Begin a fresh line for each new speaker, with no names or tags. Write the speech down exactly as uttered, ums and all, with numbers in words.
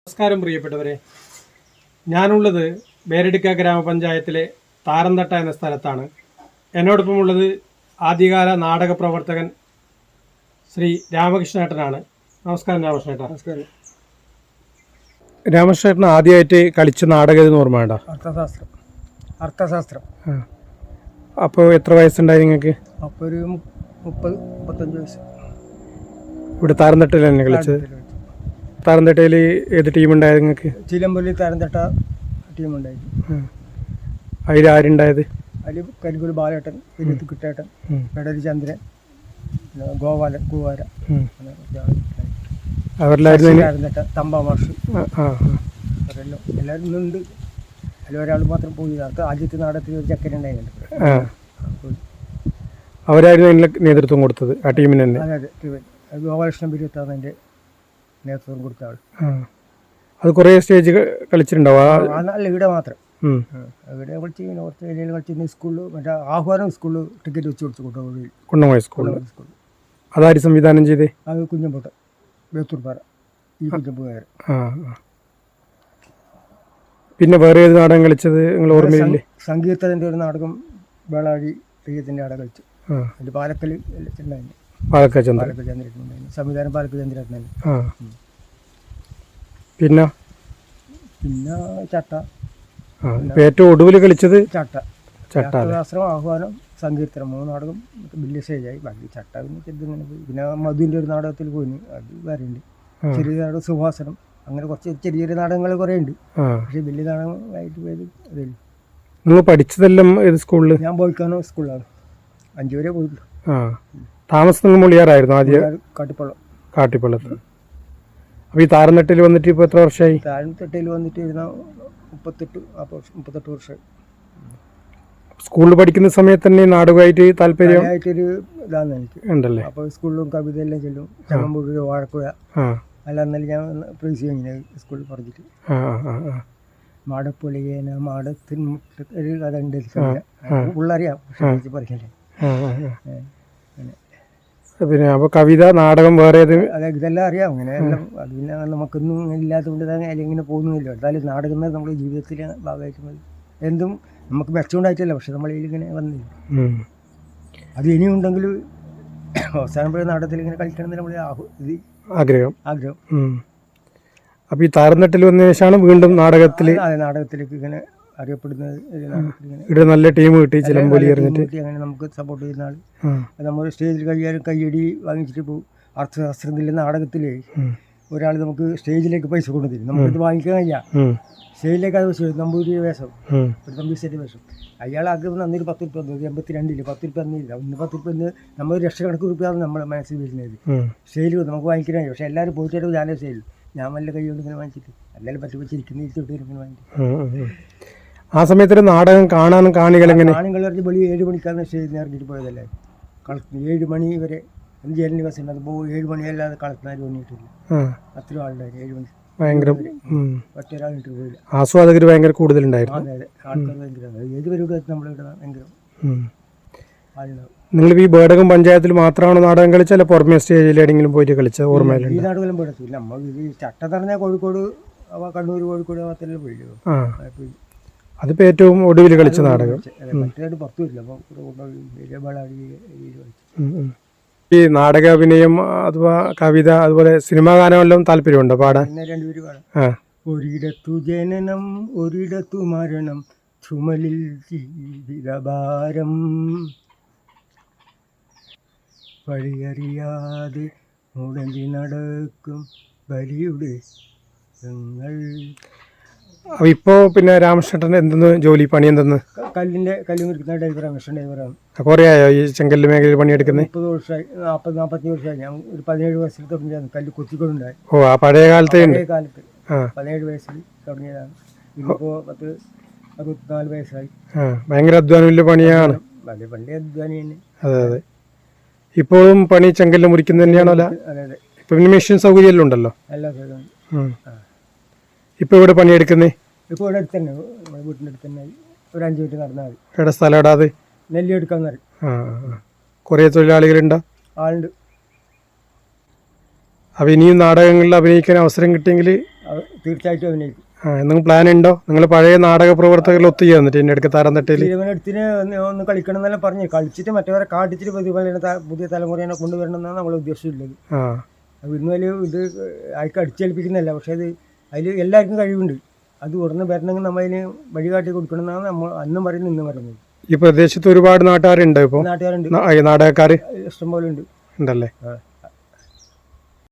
നമസ്കാരം പ്രിയപ്പെട്ടവരെ, ഞാനുള്ളത് ബേരടിക്ക ഗ്രാമപഞ്ചായത്തിലെ താരന്തട്ട എന്ന സ്ഥലത്താണ്. എന്നോടൊപ്പമുള്ളത് ആദ്യകാല നാടക പ്രവർത്തകൻ ശ്രീ രാമകൃഷ്ണേട്ടനാണ്. നമസ്കാരം രാമകൃഷ്ണേട്ട.
നമസ്കാരം.
രാമകൃഷ്ണേട്ടൻ ആദ്യമായിട്ട് കളിച്ച നാടകം എന്ന് ഓർമ്മ വേണ്ട?
അർത്ഥശാസ്ത്രം. അർത്ഥശാസ്ത്രം.
അപ്പോൾ എത്ര വയസ്സുണ്ടായി നിങ്ങൾക്ക്?
അപ്പോൾ ഒരു മുപ്പത് മുപ്പത്തഞ്ച് വയസ്സ്.
ഇവിടെ താരന്തട്ടയിൽ തന്നെ കളിച്ചത്? താരന്തട്ടയിൽ ഏത് ടീമുണ്ടായത് നിങ്ങൾക്ക്?
ചിലമ്പള്ളി താരന്തട്ട ടീമുണ്ടായിരുന്നു.
അതിൽ ആരുണ്ടായത്?
അതിൽ കരിങ്കുൽ ബാലേട്ടൻ, വിരുത്ത് കിട്ടേട്ടൻ, പെടരി ചന്ദ്രൻ, ഗോപാലൻ, ഗോവാര, താരന്തട്ട തമ്പാമാഷ്, അവരെല്ലാം എല്ലാവരും ഇന്നുണ്ട്. അതിൽ ഒരാൾ മാത്രം പോയി. അത് ആദ്യത്തെ നാടകത്തിൽ ഒരു ചക്കനുണ്ടായിരുന്നു.
അവരായിരുന്നു അതിന് നേതൃത്വം കൊടുത്തത്, ആ ടീമിന് തന്നെ?
അതെ അതെ, ഗോപാലകൃഷ്ണൻ ബിരുത്താണ് അതിൻ്റെ നേതൃത്വം കൊടുത്ത ആൾ.
അത് കുറേ സ്റ്റേജ് കളിച്ചിട്ടുണ്ടാവും?
അല്ല, ഇവിടെ മാത്രം. ഇവിടെ കളിച്ച് പിന്നെ കുറച്ച് ഏരിയയിൽ കളിച്ചിരുന്ന സ്കൂളിൽ മറ്റേ ആഹ്വാനം സ്കൂളിൽ ടിക്കറ്റ് വെച്ച് കൊടുത്തു കൊണ്ടുപോയി.
കുന്നംകുളം സ്കൂളിൽ സ്കൂളിൽ അതാര് സംവിധാനം ചെയ്തേ? അത്
കുഞ്ഞമ്പോട്ട, ബേത്തൂർപ്പാറ, ഈ കുഞ്ഞമ്പുകാരൻ.
പിന്നെ വേറെ ഏത് നാടകം കളിച്ചത് നിങ്ങൾ ഓർമ്മയില്ലേ?
സംഗീതത്തിൻ്റെ ഒരു നാടകം വേളാഴി തെയ്യത്തിൻ്റെ അവിടെ കളിച്ചു. അതിൽ പാലക്കൽ ഉണ്ടായിരുന്നു.
പാലക്കാട് ചന്ദ്രൻ.
പാലക്കാട് ചന്ദ്രൻ സംവിധാനം പാലക്കാട് ചന്ദ്രൻ.
പിന്നെ
പിന്നെ ചട്ട.
ഏറ്റവും ഒടുവിൽ കളിച്ചത്
ചട്ട. ചട്ടശാസ്ത്രം, ആഹ്വാനം, സങ്കീർത്തനം, മൂന്ന് നാടകം വലിയ സ്റ്റേജായി. ബാക്കി ചട്ട പിന്നെ ചെറുതിങ്ങനെ പോയി. പിന്നെ മധുവിൻ്റെ ഒരു നാടകത്തിൽ പോയി, അത് വരെയുണ്ട്. ചെറിയ നാടകം സുഭാസനം, അങ്ങനെ കുറച്ച് ചെറിയ ചെറിയ നാടകങ്ങൾ കുറേ ഉണ്ട്. പക്ഷെ വലിയ നാടകമായിട്ട് പോയത് അതേ.
നിങ്ങൾ പഠിച്ചതെല്ലാം ഏത് സ്കൂളിൽ?
ഞാൻ പോയിക്കാനോ സ്കൂളിലാണ്. അഞ്ചു വരെ പോയിട്ടുള്ളൂ.
താമസം മുളിയാറായിരുന്നു ആദ്യം?
കാട്ടിപ്പള്ളം.
കാട്ടിപ്പള്ളത്ത്. അപ്പോൾ ഈ താരന്തട്ടയിൽ വന്നിട്ട് ഇപ്പോൾ എത്ര വർഷമായി?
താരന്തട്ടയിൽ വന്നിട്ട് ഇരുന്ന മുപ്പത്തെട്ട് മുപ്പത്തെട്ട് വർഷമായി.
സ്കൂളിൽ പഠിക്കുന്ന സമയത്ത് തന്നെ നാടകമായിട്ട് താല്പര്യം
ആയിട്ടൊരു ഇതാണ് എനിക്ക്
ഉണ്ടല്ലേ?
അപ്പോൾ സ്കൂളിലും കവിതയെല്ലാം ചെല്ലും. ചങ്ങമ്പൂർ, വാഴക്കുഴ, അല്ല എന്നാലും ഞാൻ പ്രൈസ് കഴിഞ്ഞ സ്കൂളിൽ പറഞ്ഞിട്ട്. മാടപ്പൊളിയേന മാടത്തിൻ മുട്ട ഒരു കഥ ഉണ്ട്. പിള്ളേറിയാം പക്ഷെ പറയല്ലേ.
പിന്നെ അപ്പോൾ കവിത, നാടകം, വേറെ ഏത്?
അതെ, ഇതെല്ലാം അറിയാം. അങ്ങനെ എല്ലാം അത് പിന്നെ നമുക്കൊന്നും ഇല്ലാത്തതുകൊണ്ട് തന്നെ അതിലിങ്ങനെ പോകുന്നില്ല. എന്തായാലും നാടകം നമ്മുടെ ജീവിതത്തിലെ ഭാഗമായിട്ട് മതി. എന്തും നമുക്ക് മെച്ചമുണ്ടായിട്ടല്ല, പക്ഷെ നമ്മളിങ്ങനെ വന്നില്ല. അത് ഇനിയും ഉണ്ടെങ്കിൽ അവസാനം പോയ നാടകത്തിൽ ഇങ്ങനെ കളിക്കണം നമ്മൾ ഇത് ആഗ്രഹം ആഗ്രഹം
അപ്പോൾ ഈ താരന്തട്ടയിൽ വന്നതിന് ശേഷമാണ് വീണ്ടും നാടകത്തിൽ?
അതെ, നാടകത്തിലേക്ക് ഇങ്ങനെ അറിയപ്പെടുന്നത്.
ഇവിടെ നല്ല ടീം കിട്ടി, ചിലമ്പൊലി എറിഞ്ഞിട്ട്.
അങ്ങനെ നമുക്ക് സപ്പോർട്ട് ചെയ്യുന്ന ആൾ. നമ്മൾ സ്റ്റേജിൽ കഴിയാനും കയ്യടി വാങ്ങിച്ചിട്ട് പോകും. അർത്ഥശാസ്ത്രത്തിലെ നാടകത്തിലേ ഒരാൾ നമുക്ക് സ്റ്റേജിലേക്ക് പൈസ കൊണ്ടുതരും. നമുക്കിത് വാങ്ങിക്കാൻ കഴിയാം. സ്റ്റേജിലേക്ക് അത് വെച്ചു നമ്പൂരി വേഷം, ഒരു തമ്പീശ്ശേരി വേഷം. അയാളാക്കി നന്നൊരു പത്ത് റുപ്യ തന്നു. എൺപത്തി രണ്ടില് പത്ത് റുപ്യ തന്നില്ല. ഒന്ന് പത്ത് റുപ്യ ഇന്ന് നമ്മൾ ലക്ഷക്കണക്ക് റുപ്യാണ് നമ്മുടെ മനസ്സിൽ വരുന്നത്. സ്റ്റേജിൽ നമുക്ക് വാങ്ങിക്കാൻ കഴിയും. പക്ഷെ എല്ലാവരും പോയിട്ട് ഞാനേ സ്റ്റേജിൽ ഞാൻ വല്ല കൈ കൊണ്ട് ഇങ്ങനെ വാങ്ങിച്ചിട്ട് എല്ലാവരും പറ്റി വെച്ചിരിക്കുന്ന ഇരുത്തോട്ട് ഇങ്ങനെ വാങ്ങിച്ചു.
ആ സമയത്ത് നാടകം കാണാനും കാണികൾ എങ്ങനെ?
കാണികൾ പറഞ്ഞ് വെളി ഏഴ് മണിക്കാണ് സ്റ്റേജിൽ നിന്ന് ഇറങ്ങിയിട്ട് പോയതല്ലേ. കളക്ട് ഏഴ് മണി വരെ ജയിലിന് ബസ് ഉണ്ട്. അപ്പോൾ ഏഴ് മണിയല്ലാതെ കളക്ടർമാർ വന്നിട്ടില്ല. അത്രയും ആളുണ്ടായിരുന്നു ഏഴ് മണി. ഭയങ്കര ഒറ്റൊരാളിട്ട് പോയില്ല.
ആസ്വാദകർ ഭയങ്കര കൂടുതലുണ്ടായിരുന്നു.
അതെ അതെ, ആൾക്കാർ ഭയങ്കര ഏത് പരിപാടി നമ്മളിവിടെ ഭയങ്കര ആളുണ്ടാവും.
നിങ്ങൾ ഈ ബേടകം പഞ്ചായത്തിൽ മാത്രമാണ് നാടകം കളിച്ചല്ല പുറമെ സ്റ്റേജിൽ എവിടെയെങ്കിലും പോയിട്ട് കളിച്ച ഓർമ്മയില്ല?
ഈ നാടുകളും പോയിട്ടില്ല. നമ്മൾ ഇത് ചട്ട പറഞ്ഞാൽ കോഴിക്കോട്, കണ്ണൂർ, കോഴിക്കോട് ഭാഗത്തെല്ലാം പോയില്ലോ.
അതിപ്പോൾ ഏറ്റവും ഒടുവിൽ കളിച്ച നാടകം.
മറ്റേതായിട്ട് പുറത്തു വരില്ല. അപ്പോൾ
ഈ നാടക അഭിനയം അഥവാ കവിത അതുപോലെ സിനിമാ ഗാനമെല്ലാം താല്പര്യമുണ്ടോ പാടാൻ?
രണ്ടുപേര് പാടാം. ഒരിടത്തു ജനനം ഒരിടത്തു മരണം, ചുമലിൽ ജീവിതഭാരം, വഴിയറിയാതെ മുടങ്ങി നടക്കും ബലിയുടെ ഞങ്ങൾ.
അപ്പോൾ ഇപ്പോൾ പിന്നെ രാമകൃഷ്ണൻ എന്തെന്ന് ജോലി, പണി എന്തെന്ന്?
കല്ലിൻ്റെ കല്ല് മുറിക്കുന്ന ഡ്രൈവറാണ്, മിഷൻ ഡ്രൈവറാണ്.
കുറേ ആയോ ഈ ചെങ്കല്ല് മേഖലയിൽ പണിയെടുക്കുന്നത്?
മുപ്പത് വർഷമായി, നാൽപ്പത് നാൽപ്പത്തഞ്ച് വർഷമായി. ഞാൻ ഒരു പതിനേഴ് വയസ്സിൽ തുടങ്ങിയതാണ് കല്ല് കൊത്തിക്കൊണ്ടുണ്ടായി.
ഓ, ആ പഴയ കാലത്തെ
പഴയ കാലത്ത് പതിനേഴ് വയസ്സിൽ തുടങ്ങിയതാണ്. ഇപ്പോൾ പത്ത് അറുപത്തിനാല് വയസ്സായി.
ഭയങ്കര അധ്വാനമില്ല പണിയാണ്.
വലിയ പള്ളി അധ്വാനി തന്നെ.
അതെ അതെ. ഇപ്പോഴും പണി ചെങ്കല്ല് മുറിക്കുന്നത് തന്നെയാണോ? അല്ല,
അതെ അതെ.
ഇപ്പം പിന്നെ മെഷീൻ സൗകര്യമെല്ലാം ഉണ്ടല്ലോ.
എല്ലാ സൗകര്യം.
ഇപ്പോൾ ഇവിടെ പണിയെടുക്കുന്നേ?
ഇപ്പോൾ ഇവിടെ അടുത്ത് തന്നെ, നമ്മുടെ വീട്ടിൻ്റെ അടുത്ത് തന്നെ, ഒരു അഞ്ച് മിനിറ്റ് നടന്നാൽ മതി.
എവിടെ സ്ഥലം? ഇടാതെ
നെല്ലി എടുക്കാൻ പറയും.
ആ, കുറേ തൊഴിലാളികളുണ്ടോ?
ആളുണ്ട്.
അപ്പോൾ ഇനിയും നാടകങ്ങളിൽ അഭിനയിക്കാൻ അവസരം കിട്ടിയെങ്കിൽ
അവ- തീർച്ചയായിട്ടും അഭിനയിക്കും.
ആ എന്തെങ്കിലും പ്ലാൻ ഉണ്ടോ? നിങ്ങൾ പഴയ നാടക പ്രവർത്തകരിൽ ഒത്തുചേർന്നു എന്നിട്ട് എൻ്റെ അടുക്ക് താരം തട്ടയിൽ
തീരുമാനത്തിന് ഒന്ന് ഒന്ന് കളിക്കണം എന്നെല്ലാം പറഞ്ഞ് കളിച്ചിട്ട് മറ്റവരെ കാട്ടിച്ചിട്ട് പ്രതിഫലന ത- പുതിയ തലമുറയെ കൊണ്ടുവരണം എന്നാണ് നമ്മൾ ഉദ്ദേശിച്ചിട്ടുള്ളത്.
ആ
അത് ഇന്ന് വലിയ ഇത് ആർക്ക് അടിച്ചേൽപ്പിക്കുന്നതല്ല, പക്ഷേ അത് അതിൽ എല്ലാവർക്കും കഴിവുണ്ട്. അത് ഉടനെ വരണമെങ്കിൽ നമ്മൾ അതിന് വഴികാട്ടി കൊടുക്കണം എന്നാണ് നമ്മൾ അന്നും പറയുന്നത് ഇന്നും പറയുന്നത്.
ഈ പ്രദേശത്ത് ഒരുപാട് നാട്ടുകാരുണ്ടോ ഇപ്പോൾ?
നാട്ടുകാരുണ്ട്,
നാടകക്കാർ
ഇഷ്ടംപോലെ ഉണ്ട്.
ഉണ്ടല്ലേ?
ആ.